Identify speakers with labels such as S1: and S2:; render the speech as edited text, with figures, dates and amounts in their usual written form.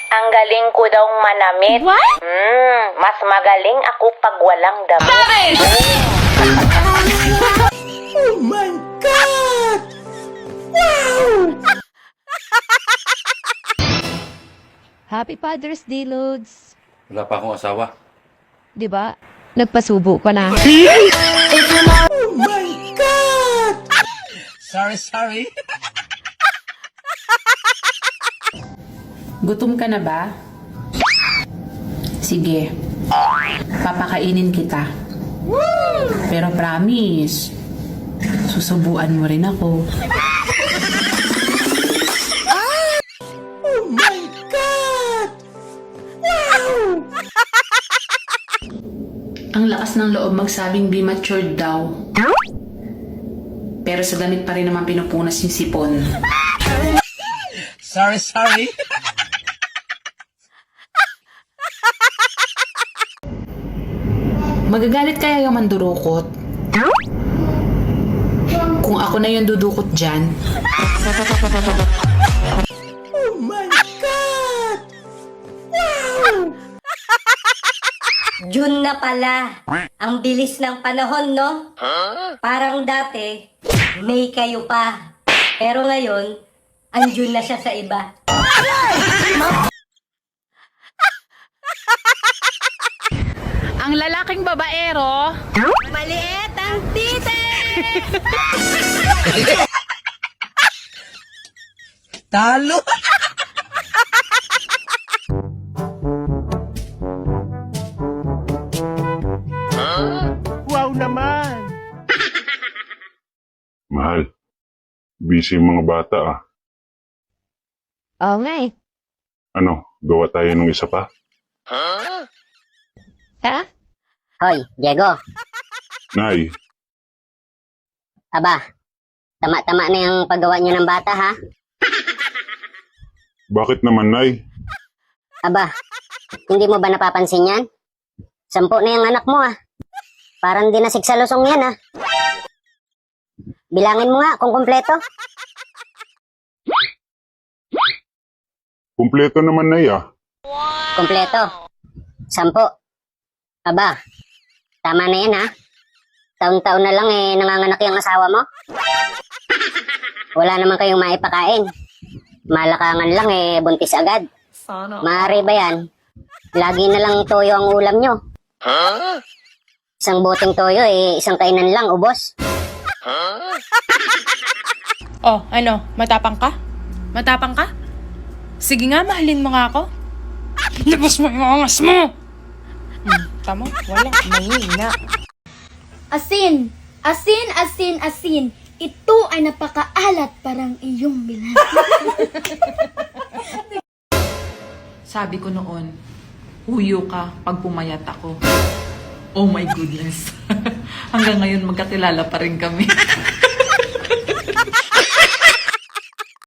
S1: Ang galing ko daw manamit.
S2: What?
S1: Mas magaling ako pag walang damit.
S3: Oh my God! Wow!
S2: Happy Father's Day, Lods.
S4: Wala pa akong asawa.
S2: Di ba? Nagpasubo ka na.
S3: Oh my God!
S4: Sorry.
S5: Gutom ka na ba? Sige. Papakainin kita. Pero promise, susubuan mo rin ako.
S3: Oh my God! Wow!
S5: Ang lakas ng loob magsabing be matured daw. Pero sa damit pa rin naman pinupunas yung sipon.
S4: Sorry.
S5: Magagalit kaya yung mandurukot? Kung ako na yung dudukot dyan,
S3: Oh my God! Wow!
S6: June na pala. Ang bilis ng panahon, no? Parang dati, May kayo pa. Pero ngayon, ang June na siya sa iba.
S5: ang lalaking babaero,
S6: Maliit ang tite!
S4: Talo!
S3: Wow naman!
S7: Mahal, busy yung mga bata ah.
S2: Oo nga eh.
S7: Ano, gawa tayo ng isa pa?
S2: Ha?
S6: Hoy, Diego.
S7: Nay,
S6: Aba, tama-tama na yung paggawa niyo ng bata, ha?
S7: bakit naman Nay?
S6: Aba, hindi mo ba napapansin yan? 10 na yung anak mo, ah. Parang di nasik sa lusong yan, ah. Bilangin mo nga kung kumpleto.
S7: Kumpleto naman Nay ah.
S6: Kumpleto. 10. Aba, tama na yan, ha? Taon-taon na lang nanganganak yung asawa mo. Wala naman kayong maipakain. Malakangan lang buntis agad. Maaari ba yan? Lagi na lang toyo ang ulam nyo. Isang boteng toyo isang kainan lang, ubos.
S8: Oh, ano? Matapang ka? Matapang ka? Sige nga, mahalin mo nga ako. Labas mo yung angas mo! Tama? Wala. Mahina.
S9: Asin! Asin, asin, asin! Ito ay napakaalat parang iyong bilan.
S5: sabi ko noon, huyo ka pag pumayat ako. Oh my goodness. Hanggang ngayon magkakilala pa rin kami.